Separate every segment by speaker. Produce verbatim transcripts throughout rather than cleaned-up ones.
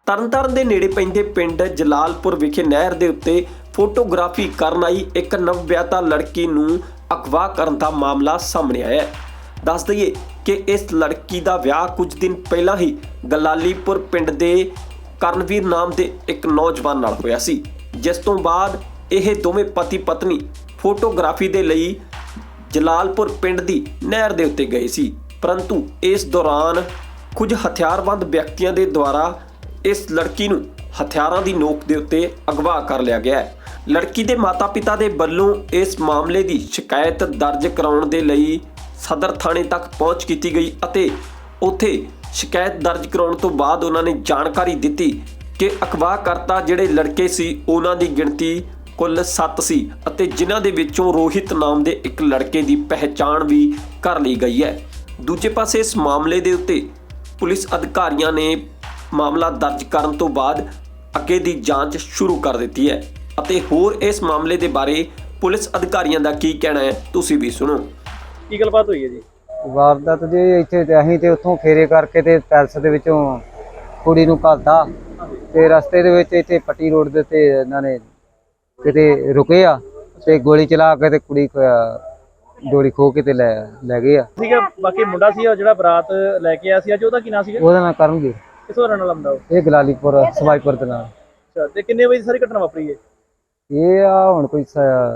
Speaker 1: ਤਰਨਤਾਰਨ ਦੇ ਨੇੜੇ ਪੈਂਦੇ ਪਿੰਡ ਜਲਾਲਪੁਰ ਵਿਖੇ ਨਹਿਰ ਦੇ ਉੱਤੇ ਫੋਟੋਗ੍ਰਾਫੀ ਕਰਨ ਆਈ ਇੱਕ ਨਵਵਿਆਹਤਾ ਲੜਕੀ ਨੂੰ ਅਗਵਾ ਕਰਨ ਦਾ ਮਾਮਲਾ ਸਾਹਮਣੇ ਆਇਆ ਹੈ। ਦੱਸ ਦਈਏ ਕਿ ਇਸ ਲੜਕੀ ਦਾ ਵਿਆਹ ਕੁਝ ਦਿਨ ਪਹਿਲਾਂ ਹੀ ਗਲਾਲੀਪੁਰ ਪਿੰਡ ਦੇ ਕਰਨਵੀਰ ਨਾਮ ਦੇ ਇੱਕ ਨੌਜਵਾਨ ਨਾਲ ਹੋਇਆ ਸੀ, ਜਿਸ ਤੋਂ ਬਾਅਦ ਇਹ ਦੋਵੇਂ ਪਤੀ ਪਤਨੀ ਫੋਟੋਗ੍ਰਾਫੀ ਦੇ ਲਈ ਜਲਾਲਪੁਰ ਪਿੰਡ ਦੀ ਨਹਿਰ ਦੇ ਉੱਤੇ ਗਏ ਸੀ। ਪਰੰਤੂ ਇਸ ਦੌਰਾਨ ਕੁਝ ਹਥਿਆਰਬੰਦ ਵਿਅਕਤੀਆਂ ਦੇ ਦੁਆਰਾ ਇਸ ਲੜਕੀ ਨੂੰ ਹਥਿਆਰਾਂ ਦੀ ਨੋਕ ਦੇ ਉੱਤੇ ਅਗਵਾ ਕਰ ਲਿਆ ਗਿਆ ਹੈ। ਲੜਕੀ ਦੇ ਮਾਤਾ-ਪਿਤਾ ਦੇ ਵੱਲੋਂ ਇਸ ਮਾਮਲੇ ਦੀ ਸ਼ਿਕਾਇਤ ਦਰਜ ਕਰਾਉਣ ਦੇ ਲਈ ਸਦਰ ਥਾਣੇ ਤੱਕ ਪਹੁੰਚ ਕੀਤੀ ਗਈ ਅਤੇ ਉੱਥੇ ਸ਼ਿਕਾਇਤ ਦਰਜ ਕਰਾਉਣ ਤੋਂ ਬਾਅਦ ਉਹਨਾਂ ਨੇ ਜਾਣਕਾਰੀ ਦਿੱਤੀ ਕਿ ਅਗਵਾਕਰਤਾ ਜਿਹੜੇ ਲੜਕੇ ਸੀ ਉਹਨਾਂ ਦੀ ਗਿਣਤੀ ਕੁੱਲ ਸੱਤ ਸੀ ਅਤੇ ਜਿਨ੍ਹਾਂ ਦੇ ਵਿੱਚੋਂ ਰੋਹਿਤ ਨਾਮ ਦੇ ਇੱਕ ਲੜਕੇ ਦੀ ਪਹਿਚਾਣ ਵੀ ਕਰ ਲਈ ਗਈ ਹੈ। ਦੂਜੇ ਪਾਸੇ ਇਸ ਮਾਮਲੇ ਦੇ ਉੱਤੇ ਪੁਲਿਸ ਅਧਿਕਾਰੀਆਂ ਨੇ ਮਾਮਲਾ ਦਰਜ ਕਰਨ ਤੋਂ ਬਾਅਦ ਅੱਗੇ ਦੀ ਜਾਂਚ ਸ਼ੁਰੂ ਕਰ ਦਿੱਤੀ ਹੈ ਅਤੇ ਹੋਰ ਇਸ ਮਾਮਲੇ ਦੇ ਬਾਰੇ ਪੁਲਿਸ ਅਧਿਕਾਰੀਆਂ ਦਾ ਕੀ ਕਹਿਣਾ ਹੈ ਤੁਸੀਂ ਵੀ ਸੁਣੋ।
Speaker 2: ਕੀ ਗੱਲਬਾਤ ਹੋਈ ਹੈ ਜੀ?
Speaker 3: ਵਾਰਦਾਤ ਜੀ ਇੱਥੇ ਤੇ ਅਸੀਂ ਤੇ ਉੱਥੋਂ ਫੇਰੇ ਕਰਕੇ ਤੇ ਪੈਲਸ ਦੇ ਵਿੱਚੋਂ ਕੁੜੀ ਨੂੰ ਘੱਲਤਾ ਤੇ ਰਸਤੇ ਦੇ ਵਿੱਚ ਇੱਥੇ ਪੱਟੀ ਰੋਡ ਦੇ ਉੱਤੇ ਇਹਨਾਂ ਨੇ ਕਿਤੇ ਰੁਕੇ ਆ ਤੇ ਗੋਲੀ ਚਲਾ ਕੇ ਤੇ ਕੁੜੀ ਡੋਰੀ ਖੋ ਕੇ ਤੇ ਲੈ ਲੈ ਗਏ ਆ।
Speaker 2: ਸੀਗਾ ਬਾਕੀ ਮੁੰਡਾ ਸੀ ਜਿਹੜਾ ਬਰਾਤ ਲੈ ਕੇ ਆਇਆ ਸੀ ਅੱਜ, ਉਹਦਾ ਕੀ ਨਾਂ ਸੀਗਾ?
Speaker 3: ਉਹਦਾ ਨਾਂ ਕਰਨਗੇ।
Speaker 2: ਕਿਸੋਂ ਰਹਿਣ ਵਾਲਾ ਮੁੰਡਾ ਉਹ?
Speaker 3: ਇਹ ਗਲਾਲੀਪੁਰ ਸਵਾਈਪੁਰ ਦੇ ਨਾਲ।
Speaker 2: ਅੱਛਾ, ਤੇ ਕਿੰਨੇ ਵਜੇ ਸਾਰੀ ਘਟਨਾ ਵਾਪਰੀ ਹੈ?
Speaker 3: ਇਹ ਆ ਹੁਣ ਕੋਈ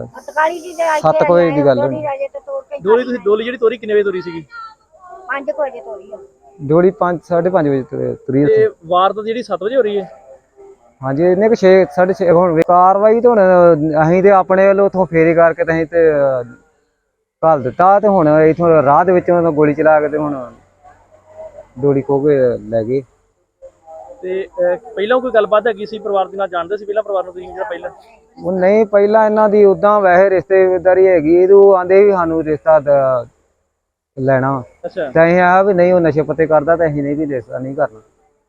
Speaker 3: ਸੱਤ ਕੁ ਵਜੇ ਦੀ ਗੱਲ ਹੋਣੀ।
Speaker 2: ਡੋਲੀ ਤੁਸੀਂ ਡੋਲੀ ਜਿਹੜੀ ਤੋਰੀ ਕਿੰਨੇ ਵਜੇ ਤੋਰੀ ਸੀਗੀ?
Speaker 4: ਪੰਜ ਵਜੇ ਤੋਰੀ ਆ
Speaker 3: ਡੋਲੀ ਪੰਜ ਸਾਢੇ ਪੰਜ ਵਜੇ ਤੁਰੀ।
Speaker 2: ਤੇ ਵਾਰਦਾਤ ਜਿਹੜੀ ਸੱਤ ਵਜੇ ਹੋ ਰਹੀ ਹੈ?
Speaker 3: ਹਾਂਜੀ ਇਹਨੇ ਕਿ ਛੇ ਸਾਢੇ ਛੇ ਹੁਣ ਕਾਰਵਾਈ ਤੇ ਹੁਣ ਅਸੀਂ ਤੇ ਆਪਣੇ ਵੱਲੋਂ ਉੱਥੋਂ ਫੇਰੀ ਕਰਕੇ ਤੇ ਅਸੀਂ ਤੇ ਘੱਲ ਦਿੱਤਾ ਤੇ ਹੁਣ ਇੱਥੋਂ ਰਾਹ ਦੇ ਵਿੱਚ ਉਹਨਾਂ ਗੋਲੀ ਚਲਾ ਕੇ ਤੇ ਹੁਣ ਡੋਲੀ ਖੋ ਕੇ ਲੈ ਗਏ।
Speaker 2: ਤੇ ਪਹਿਲਾਂ ਕੋਈ ਗੱਲਬਾਤ ਹੈਗੀ ਸੀ ਪਰਿਵਾਰ ਦੇ ਨਾਲ? ਜਾਣਦੇ ਸੀ ਪਹਿਲਾਂ ਪਰਿਵਾਰ ਨੂੰ ਤੁਸੀਂ ਜਿਹੜਾ ਪਹਿਲਾਂ?
Speaker 3: ਉਹ ਨਹੀਂ, ਪਹਿਲਾਂ ਇਹਨਾਂ ਦੀ ਉਦਾਂ ਵੈਸੇ ਰਿਸ਼ਤੇਦਾਰੀ ਹੈਗੀ, ਇਹ ਆਂਦੇ ਵੀ ਸਾਨੂੰ ਰਿਸ਼ਤਾ ਲੈਣਾ।
Speaker 2: ਅੱਛਾ,
Speaker 3: ਤੇ ਅਸੀਂ ਆ ਵੀ ਨਹੀਂ ਉਹ ਨਸ਼ੇ ਪੱਤੇ ਕਰਦਾ ਤੇ ਅਸੀਂ ਨਹੀਂ ਵੀ ਰਿਸ਼ਤਾ ਨਹੀਂ ਕਰਨਾ।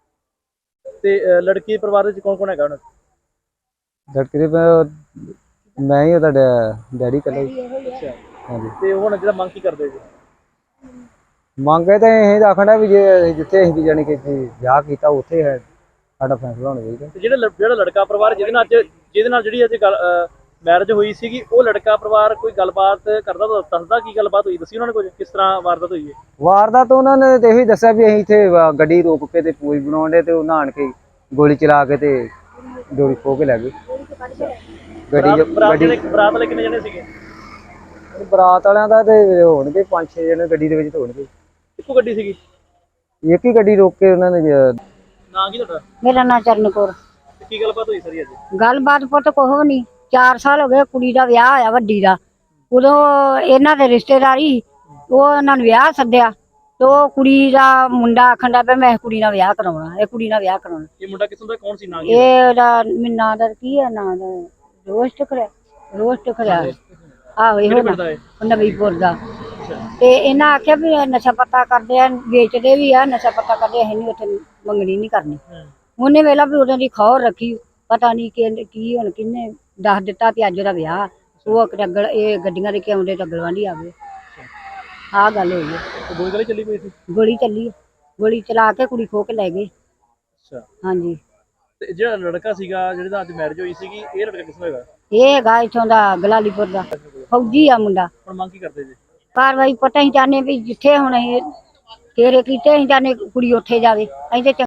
Speaker 2: ਤੇ ਲੜਕੀ ਦੇ ਪਰਿਵਾਰ ਵਿੱਚ ਕੌਣ ਕੌਣ ਹੈਗਾ ਹੁਣ?
Speaker 3: ਲੜਕੀ ਦੇ ਮੈਂ ਹੀ ਉਹਦਾ ਡੈਡੀ ਕੱਲਾ।
Speaker 2: ਅੱਛਾ,
Speaker 3: ਹਾਂਜੀ।
Speaker 2: ਤੇ ਹੁਣ ਜਿਹੜਾ ਮੰਗ ਕੀ ਕਰਦੇ ਜੀ?
Speaker 3: ਮੰਗੇ ਤਾਂ ਇਹ ਆਖਣਾ ਵੀ ਜੇ ਜਿੱਥੇ ਅਸੀਂ ਵੀ ਜਾਣੀ ਕਿ ਵਿਆਹ ਕੀਤਾ ਉੱਥੇ ਹੈ ਸਾਡਾ ਫੈਸਲਾ ਹੋਣਾ ਚਾਹੀਦਾ।
Speaker 2: ਤੇ ਜਿਹੜਾ ਜਿਹੜਾ ਲੜਕਾ ਪਰਿਵਾਰ ਜਿਹਦੇ ਨਾਲ ਅੱਜ ਜਿਹਦੇ ਨਾਲ ਜਿਹੜੀ ਅੱਜ ਮੈਰਿਜ ਹੋਈ ਸੀਗੀ, ਉਹ ਲੜਕਾ ਪਰਿਵਾਰ ਕੋਈ ਗੱਲਬਾਤ ਕਰਦਾ ਤਾਂ ਦੱਸਦਾ ਕੀ ਗੱਲਬਾਤ ਹੋਈ? ਦੱਸੀ ਉਹਨਾਂ ਨੇ ਕੁਝ ਕਿਸ ਤਰ੍ਹਾਂ ਵਾਰਦਾਤ ਹੋਈ ਹੈ?
Speaker 3: ਵਾਰਦਾਤ ਉਹਨਾਂ ਨੇ ਤੇ ਇਹੀ ਦੱਸਿਆ ਵੀ ਅਸੀਂ ਇੱਥੇ ਗੱਡੀ ਰੋਕ ਕੇ ਤੇ ਪੂਜ ਬਣਾਉਣ ਦੇ ਤੇ ਉਹ ਨਹਾਣ ਕੇ ਗੋਲੀ ਚਲਾ ਕੇ ਤੇ ਡੋਰੀ ਖੋ ਕੇ ਲੈ ਗਏ ਗੱਡੀ।
Speaker 2: ਗੱਡੀ ਬਰਾਤ ਵਾਲੇ ਕਿੰਨੇ ਜਣੇ ਸੀਗੇ?
Speaker 3: ਬਰਾਤ ਵਾਲਿਆਂ ਦਾ ਤੇ ਹੋਣਗੇ ਪੰਜ ਛੇ ਜਣੇ ਗੱਡੀ ਦੇ ਵਿੱਚ ਹੋਣਗੇ।
Speaker 2: ਇੱਕੋ ਗੱਡੀ ਸੀਗੀ?
Speaker 3: ਇੱਕ ਹੀ ਗੱਡੀ ਰੋਕ ਕੇ ਉਹਨਾਂ ਨੇ।
Speaker 2: ਨਾਂ ਕੀ ਤੁਹਾਡਾ?
Speaker 4: ਮੇਰਾ ਨਾਂ ਚਰਨਕੌਰ।
Speaker 2: ਕੀ ਗੱਲਬਾਤ ਹੋਈ ਸਾਰੀ ਅੱਜ?
Speaker 4: ਗੱਲਬਾਤ ਪੁੱਤ ਕੁਛ ਨਹੀਂ, ਚਾਰ ਸਾਲ ਹੋ ਗਏ ਕੁੜੀ ਦਾ ਵਿਆਹ ਹੋਇਆ ਵੱਡੀ ਦਾ। ਉਦੋਂ ਇਹਨਾਂ ਦੇ ਰਿਸ਼ਤੇਦਾਰੀ ਉਹ ਇਹਨਾਂ ਨੂੰ ਵਿਆਹ ਸੱਦਿਆ ਤੇ ਉਹ ਕੁੜੀ ਦਾ ਮੁੰਡਾ ਆਖਣ ਦਾ ਪਿਆ ਮੈਂ ਕੁੜੀ ਨਾਲ ਵਿਆਹ ਕਰਾਉਣਾ, ਇਹ ਕੁੜੀ ਨਾਲ ਵਿਆਹ ਕਰਾਉਣਾ।
Speaker 2: ਇਹ ਮੁੰਡਾ ਕਿਸੋਂ ਦਾ, ਕੌਣ ਸੀ? ਨਾਂ ਕੀ?
Speaker 4: ਇਹ ਦਾ ਨਾਂ ਦਾ ਕੀ ਹੈ? ਨਾਂ ਦਾ ਰੋਸਟ ਖੜਿਆ ਰੋਸਟ ਖੜਿਆ ਆਹੋ ਇਹੋ ਨਵੀਂਪੁਰ ਦਾ। ਤੇ ਇਹਨਾਂ ਆਖਿਆ ਵੀ ਨਸ਼ਾ ਪੱਤਾ ਕਰਦੇ ਆ, ਵੇਚਦੇ ਵੀ ਆ, ਨਸ਼ਾ ਪੱਤਾ ਕਰਦੇ, ਅਸੀਂ ਨੀ ਉੱਥੇ ਮੰਗਣੀ ਨਹੀਂ ਕਰਨੀ। ਉਹਨੇ ਵੇਲਾ ਵੀ ਉਹਦੀ ਖੌਰ ਰੱਖੀ, ਪਤਾ ਨਹੀਂ ਕਿ ਕੀ ਹੁਣ ਕਿੰਨੇ ਦੱਸ ਦਿੱਤਾ ਵੀ ਅੱਜ ਉਹਦਾ ਵਿਆਹ। ਉਹ ਅਗਲ ਇਹ ਗੱਡੀਆਂ ਦੇ ਕੇ ਆਉਂਦੇ ਤਾਂ ਅਗਲਵਾਂਢੀ ਆ ਗਏ। ਆਹ ਗੱਲ ਹੋਈ ਹੈ।
Speaker 2: ਗੋਲੀ ਗਲੀ ਚੱਲੀ ਪਈ ਸੀ?
Speaker 4: ਗੋਲੀ ਚੱਲੀ, ਗੋਲੀ ਚਲਾ ਕੇ ਕੁੜੀ ਖੋ ਕੇ ਲੈ ਗਏ।
Speaker 2: ਅੱਛਾ,
Speaker 4: ਹਾਂਜੀ।
Speaker 2: ਤੇ ਜਿਹੜਾ ਲੜਕਾ ਸੀਗਾ ਜਿਹਦੇ ਨਾਲ ਅੱਜ ਮੈਰਿਜ ਹੋਈ ਸੀਗੀ, ਇਹ ਲੜਕਾ ਕਿਸੋਂ ਹੈਗਾ?
Speaker 4: ਇਹ ਹੈਗਾ ਇੱਥੋਂ ਦਾ ਗਲਾਲੀਪੁਰ ਦਾ, ਫੌਜੀ ਆ ਮੁੰਡਾ।
Speaker 2: ਹੁਣ ਮੰਗ ਕੀ ਕਰਦੇ ਜੀ?
Speaker 4: ਕਾਰਵਾਈ ਪਤਾ ਹੀ ਚਾਹੁੰਦੇ ਵੀ ਜਿੱਥੇ ਹੁਣ ਅਸੀਂ ਤੇਰੇ ਕੀਤੇ ਅਸੀਂ ਚਾਹੁੰਦੇ ਕੁੜੀ ਉੱਥੇ ਜਾਵੇ। ਅਸੀਂ ਤੇ